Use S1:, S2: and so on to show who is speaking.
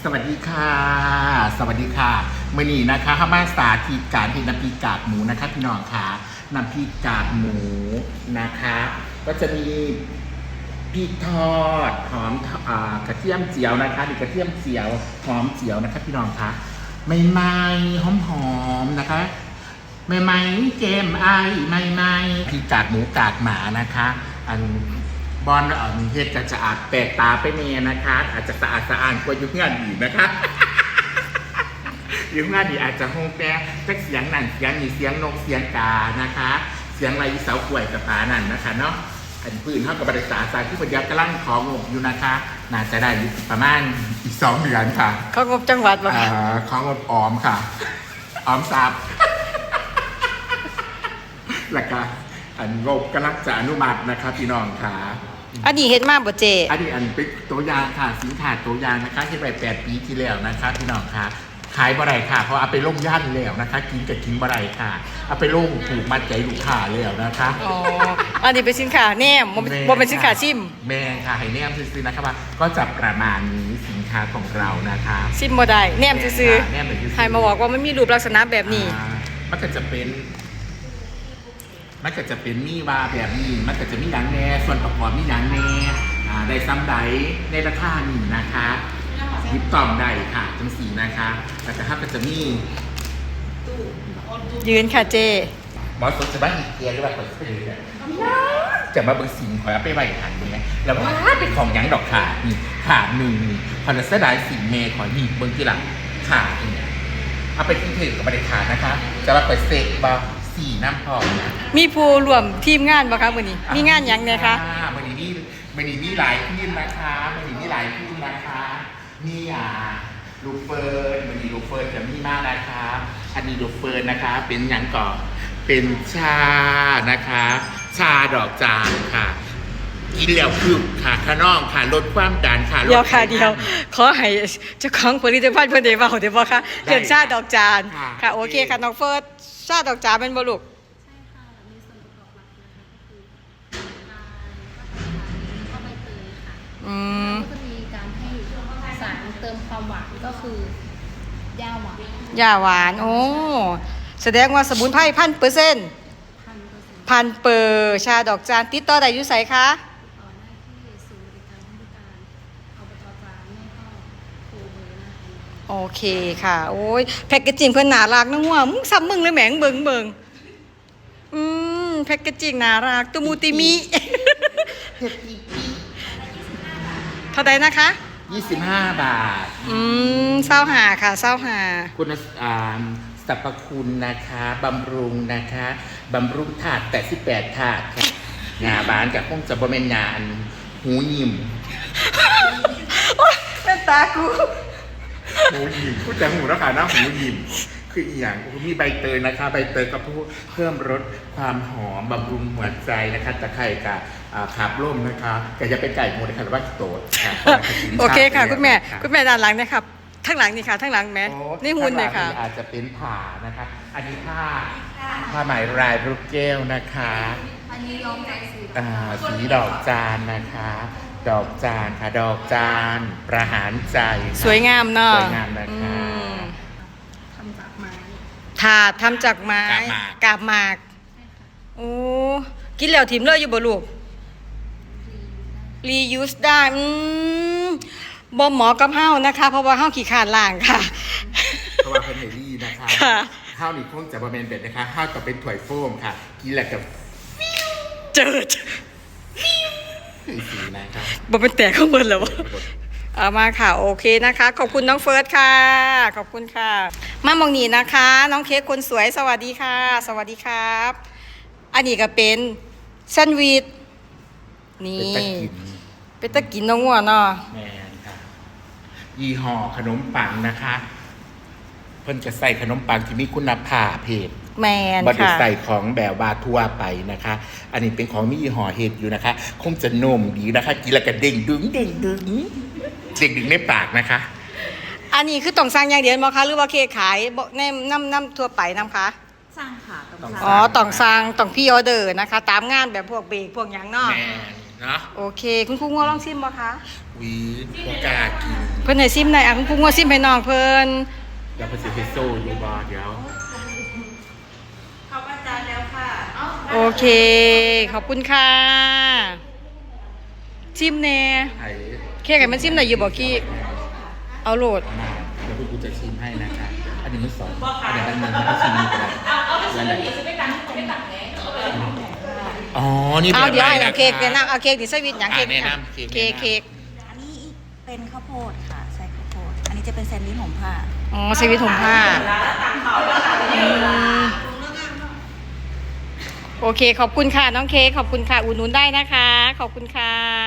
S1: สวัสดีค่ะสวัสดีค่ะมื่อนี้นะคะข้ามาสาธิตการเห็นน้ำพริกกากหมูนะคะพี่น้องค่ะน้ำพริกกากหมูนะคะก็จะมีพริกทอดหอมกระเทียมเจียวนะคะมีกระเทียมเจียวหอมเจียวนะคะพี่น้องค่ะใหม่ๆหอมๆนะคะใหม่ๆเกมไอใหม่ๆพริกกากหมูกากหมานะคะอันบอลเฮ็ดจะอาจแปลกตาไปเนียนะคะอาจจะสะอาดสะอ้านกว่ายุคงานอีกนะคะยุคงานอีกอาจจะห้องแปะจักเสียงนั่นเสียงนี่เสียงนกเสียงกานะคะเสียงไรเสากล้วยกับปานั่นนะคะเนาะอันพื้นเท่ากับบริษัทสายที่ปัญญากำลังของงบอยู่นะคะน่าจะได้ประมาณอีก2 เดือนค่ะ
S2: ของงบจังหวัดป่ะคะ
S1: ของงบออมค่ะออมทรัพย์แล้วก็อันงบกำลังจะอนุมัตินะคะพี่น้องค่ะ
S2: อันนี้เฮ็ดมากบ่เจ
S1: อันนี้เป็นตัวอย่างค่ะสินค้าตัวอย่างนะคะที่ไป8 ปีที่แล้วนะคะพี่น้องค่ะขายบ่ได้ค่ะเพราะเอาไปลงย่านแล้วนะคะกินกับกินบ่ได้ค่ะเอาไปลงถูกมัดใจลูกค้าแล้วนะคะ
S2: อ๋ออันนี้เป็นสินค้าแนมบ่เป็นสินค้าชิม
S1: แม่ค่ะให้แนมซื้อๆนะครับว่าก็จะประมาณนี้สินค้าของเรานะคะ
S2: ชิมบ่ได้แนมซื้อๆให้มาบอกว่ามันมีรูปลักษณะแบบนี้
S1: มันก็จะเป็นมีวาแบบนี้มันก็จะมีหนังแน่ส่วนประกอบมีหนังแน่ได้ซ้ำใดในราคานี้นะคะยิบต่อมได้ค่ะจังสีนะคะแล้วก็จะมี
S2: ยืนค่ะเจ
S1: หมอสดจะบ้านอีกเกียร์หรือว่าคนซื้อเนี่ยจะมาเบิ่งสิ่งขอไปไว้หันเนี่ยแล้วว่าเป็นของยังดอกขานี่ขาหนึ่งนี่พอจะเสียดายสิ่งเมย์ขอหยิบเบิ่งที่หลังขาเนี่ยเอาไปทิ้งถือกับประเด็นขานะคะจะมาเปิดเซ็กบา4 น้ำพอนะ
S2: มีผู้รวมทีมงานบ่คะมื้อนี้มีงานหยังเนี่ยคะ
S1: มื้อนี้มีหลายทีมนะคะมื้อนี้มีหลายทีมนะคะมีลูกเฟิร์นมื้อนี้ลูกเฟิร์นจะมีมากนะคะอันนี้ลูกเฟิร์นนะคะเป็นหยังก่อนเป็นชานะคะชาดอกจานค่ะกินแล้วคือค่ะขน้องค่ะลดความดันค่ะ
S2: เดี๋ยวค่ะเดียวขอให้เจ้าของผลิตภัณฑ์เพิ่นได้เว้าได้บ่คะเรื่องชาดอกจานค่ะโอเคค่ะน้องเฟิร์นชาดอกจานเป็นบ่ลูก
S3: ใช่ค่ะมีส่วนประกอบหลักนะคะก็คือน้ำตาลก็ใบเตยค่ะแล้วก็จะมีการให้สารเติมความหวานก็คือย่าหวาน
S2: โอ้แสดงว่าสมุนไพร1,000%พันเปอร์ชาดอกจานติดต่อได้อยู่ไสคะ
S3: ต่อได้ที่ศูนย์บริการผู้พิการอบจ.จานไม่ก็โทรเบอร์นะคะ
S2: โอเคค่ะโอ้ยแพ็กเกจจิ้งเพิ่นน่ารักนะงัวมึงซ้ำมึงเลยแหมงเบิ่งแพ็กเกจจิ้งน่ารักตุมูติมิเท่าใดนะคะ
S1: 25 บาท
S2: 25ค่ะ25
S1: คุณสรรพคุณนะคะบำรุงนะคะบำรุงถาด88 ถาดค่ะงาบานกับคงจะบ่แม่นงาอันหูยิ้ม
S2: เป็นตากู
S1: หูยิ้มพูดแต่หูแล้วค่ะนะหูยิ้มคืออีหยังมีใบเตยนะคะใบเตยก็เพิ่มรสความหอมบำรุงหัวใจนะคะตะไคร้กับขับร่มนะคะก็จะเป็นไก่หมูนะคะหรือว่าโตดค่ะ
S2: โอเคค่ะคุณแม่ด้านหลังนะครับทั้งหลังนี่ค่ะทั้งหลังแม่นี่หุ่นเลยค่ะ
S1: อาจจะเป็นผ่านะคะอันนี้ผ้าไหมลายลูกแก้วนะคะ
S3: อันนี้ย้อมใจ
S1: สีดอกจานนะคะดอกจานค่ะดอกจานประหารใจ
S2: สวยงามเนาะ
S1: สวยงามนะคะ
S3: ทำจากไม้
S2: ถาดทำจากไม้กาบหมากโอ้กินแล้วถิ่มเลยอยู่บ่ลูกรียูสได้บ่เหมาะกับเฮานะคะเพราะว่าเฮาขี้ขลาดล้างค่ะ
S1: เพราะว่าเป็นเฮลี่นะคะข้าวนี่คงจะบะเมนเบ็ดนะคะข้าวก็เป็นถ้วยโฟมค่ะกินแล้วกับ
S2: เจิด
S1: สีนะครับ
S2: บ่เป็นแตกข้างบนแล้วเอามาค่ะโอเคนะคะขอบคุณน้องเฟิร์สค่ะขอบคุณค่ะมามองนี่นะคะน้องเค้กคนสวยสวัสดีค่ะสวัสดีครับอันนี้ก็เป็นแซนด์วิชนี่เป็นตะกินน้องงัวเนาะ
S1: แมนค่ะยี่ห้อขนมปังนะคะเพิ่นจะใส่ขนมปังที่มีคุณภาพเพศ
S2: แมนค่ะ
S1: บริใส่ของแบบว่าทั่วไปนะคะอันนี้เป็นของมียี่ห้อเฮ็ดอยู่นะคะคงจะนุ่มดีนะคะกินแล้วก็เด้งดึงในปากนะคะ
S2: อันนี้คือต้องสั่งอย่างเดียวมั้งคะหรือว่าเค้กขายในน้ำทั่วไปน้ำคะ
S3: สั่งค่ะ
S2: ต้องสั่งต้องพี่ออเดอร์นะคะตามงานแบบพวกเบรกพวกอย่างเนาะ
S1: แม่เนาะ
S2: โอเคคุณครูงัวลองชิมมั้งคะ
S1: พวกกากิน
S2: เพิ่นให้ซิมได้อ่ะคุณครูงัวซิมให้น้องเพิ่น
S1: เดี๋ยวไปซื้อพิซซ่าอยู่บ้านเดี๋ยว
S4: เข้าอาจารย์แล้วค่ะ
S2: โอเค ขอบคุณค่ะซิมแน่
S1: ไข่
S2: เค้กให้มันซิมได้อยู่บ่กี้เอาโหลด
S1: มาเดี๋ยวกูจะชิมให้นะคะอันนี้มันสองอันนี้มันมันก็ชิมนี่ก็ได้แล้วไหนอ๋อนี่
S2: เอา
S1: แบบ
S2: เดี๋ยว
S1: ไหน
S2: ให้
S1: นะ
S2: เอาเค้กแนะนำเอาเค้กดิสวิตอย่างเค้ก
S1: แนะ
S2: ค่ะ
S1: นำ
S2: เค้กเค้ก
S4: อันนี้เป็นข้าวโพดค่ะใส่ข้าวโพด อันนี้จะเป็นแซนด์วิชของผ้า
S2: อ๋อสวิตถุงผ้าอืมโอเคขอบคุณค่ะน้องเค้กขอบคุณค่ะอุดหนุนได้นะคะ ขอบคุณค่ะ